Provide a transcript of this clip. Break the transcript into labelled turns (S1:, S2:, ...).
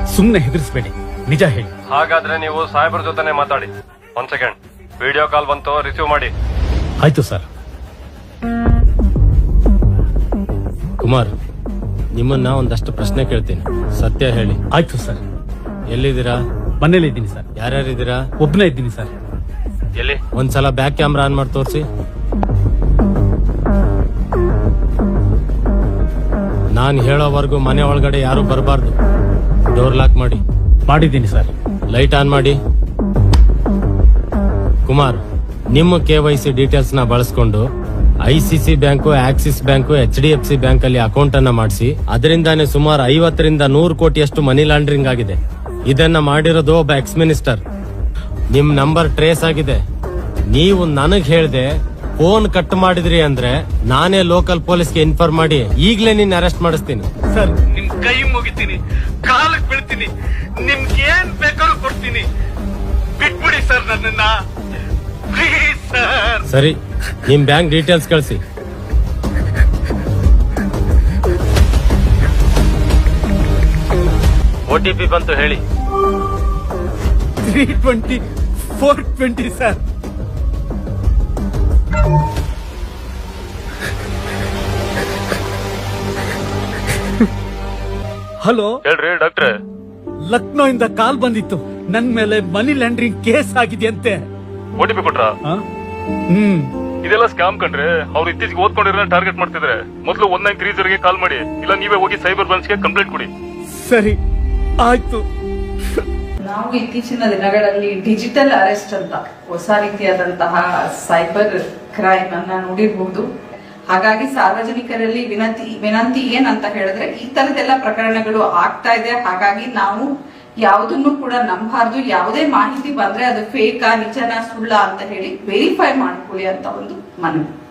S1: ಸುಮ್ನೆ ಹೆದರ್ಸ್ಬೇಡಿ, ನಿಜ ಹೇಳಿ.
S2: ಹಾಗಾದ್ರೆ ನೀವು ಸಾಹೇಬ್ರ ಜೊತೆನೆ ಮಾತಾಡಿ. 1 ಸೆಕೆಂಡ್, ವಿಡಿಯೋ ಕಾಲ್ ಬಂತು, ರಿಸೀವ್ ಮಾಡಿ.
S1: ಆಯ್ತು ಸರ್.
S3: ಕುಮಾರ್, ನಿಮ್ಮನ್ನ ಒಂದಷ್ಟು ಪ್ರಶ್ನೆ ಕೇಳ್ತೀನಿ, ಸತ್ಯ ಹೇಳಿ.
S1: ಆಯ್ತು ಸರ್.
S3: ಎಲ್ಲಿದ್ದೀರಾ?
S1: ಮನೇಲಿ ಇದ್ದೀನಿ ಸರ್.
S3: ಯಾರ್ಯಾರಿದ್ದೀರಾ?
S1: ಒಬ್ಬನೇ ಇದ್ದೀನಿ ಸರ್.
S2: ಎಲ್ಲಿ?
S3: ಒಂದ್ಸಲ ಬ್ಯಾಕ್ ಕ್ಯಾಮ್ರಾ ಆನ್ ಮಾಡಿ ತೋರಿಸಿ. ನಾನ್ ಹೇಳೋವರೆಗೂ ಮನೆ ಒಳಗಡೆ ಯಾರು ಬರಬಾರ್ದು. ಡೋರ್ ಲಾಕ್ ಮಾಡಿ.
S1: ಮಾಡಿದ್ದೀನಿ ಸರ್.
S3: ಲೈಟ್ ಆನ್ ಮಾಡಿ. ಕುಮಾರ್, ನಿಮ್ಮ KYC ಡೀಟೇಲ್ಸ್ ನ ಬಳಸ್ಕೊಂಡು ICC bank, Axis bank, HDFC bank ಅಲ್ಲಿ ಅಕೌಂಟ್ ಅನ್ನ ಮಾಡಿಸಿ ಅದರಿಂದಾನೇ ಸುಮಾರು 50 ರಿಂದ 100 ಕೋಟಿಯಷ್ಟು ಮನಿ ಲಾಂಡ್ರಿಂಗ್ ಆಗಿದೆ. ಇದನ್ನ ಮಾಡಿರೋದು ಒಬ್ಬ ಎಕ್ಸ್ ಮಿನಿಸ್ಟರ್. ನಿಮ್ ನಂಬರ್ ಟ್ರೇಸ್ ಆಗಿದೆ. ನೀವು ನನಗ್ ಹೇಳ್ದೆ ಫೋನ್ ಕಟ್ ಮಾಡಿದ್ರಿ ಅಂದ್ರೆ ನಾನೇ ಲೋಕಲ್ ಪೊಲೀಸ್ಗೆ ಇನ್ಫಾರ್ಮ್ ಮಾಡಿ ಈಗ್ಲೇ ನಿನ್ನ ಅರೆಸ್ಟ್ ಮಾಡಿಸ್ತೀನಿ.
S1: ಸರ್, ನಿಮ್ ಕೈ ಮುಗಿತೀನಿ, ಕಾಲಕ್ಕೆ ಬೀಳ್ತೀನಿ, ನಿಮ್ಗೆ ಏನ್ ಬೇಕಾದ್ರೂ ಕೊಡ್ತೀನಿ. ಬಿಟ್ಬಿಡಿ ಸರ್ ನನ್ನನ್ನ, ಪ್ಲೀಸ್ ಸರ್.
S3: ಸರಿ, ನಿಮ್ ಬ್ಯಾಂಕ್ ಡೀಟೇಲ್ಸ್ ಕಳಿಸಿ. OTP ಬಂತು, ಹೇಳಿ.
S1: 320 420 ಸರ್. ಹಲೋ,
S2: ಹೇಳ್ರಿ ಡಾಕ್ಟ್ರೆ.
S1: ಲಕ್ನೋ ಇಂದ ಕಾಲ್ ಬಂದಿತ್ತು. ನನ್ ಮೇಲೆ ಮನಿ ಲ್ಯಾಂಡ್ರಿಂಗ್ ಕೇಸ್ ಆಗಿದೆಯಂತೆ.
S2: OTP ಕೊಟ್ರಾ?
S1: ಹ್ಮ್.
S2: ಇದೆಲ್ಲ ಸ್ಕ್ಯಾಮ್ ಕಂಡ್ರೆ. ಅವ್ರು ಇತ್ತೀಚೆಗೆ ಓದ್ಕೊಂಡಿರೋ ಟಾರ್ಗೆಟ್ ಮಾಡ್ತಿದ್ರೆ. ಮೊದಲು 1930 ಕಾಲ್ ಮಾಡಿ, ಇಲ್ಲ ನೀವೇ ಹೋಗಿ ಸೈಬರ್ ಬ್ರಾಂಚ್ಗೆ ಕಂಪ್ಲೇಂಟ್ ಕೊಡಿ.
S1: ಸರಿ, ಆಯ್ತು.
S4: ನಾವು ಇತ್ತೀಚಿನ ದಿನಗಳಲ್ಲಿ ಡಿಜಿಟಲ್ ಅರೆಸ್ಟ್ ಅಂತ ಹೊಸ ರೀತಿಯಾದಂತಹ ಸೈಬರ್ ಕ್ರೈಮ್ ಅನ್ನ ನೋಡಿರಬಹುದು. ಹಾಗಾಗಿ ಸಾರ್ವಜನಿಕರಲ್ಲಿ ವಿನಂತಿ ಏನಂತ ಹೇಳಿದ್ರೆ, ಈ ತರದೆಲ್ಲ ಪ್ರಕರಣಗಳು ಆಗ್ತಾ ಇದೆ. ಹಾಗಾಗಿ ನಾವು ಯಾವುದನ್ನು ಕೂಡ ನಂಬಾರ್ದು. ಯಾವುದೇ ಮಾಹಿತಿ ಬಂದ್ರೆ ಅದು ಫೇಕಾ, ನಿಜನಾ, ಸುಳ್ಳ ಅಂತ ಹೇಳಿ ವೆರಿಫೈ ಮಾಡ್ಕೊಳ್ಳಿ ಅಂತ ಒಂದು ಮನವಿ.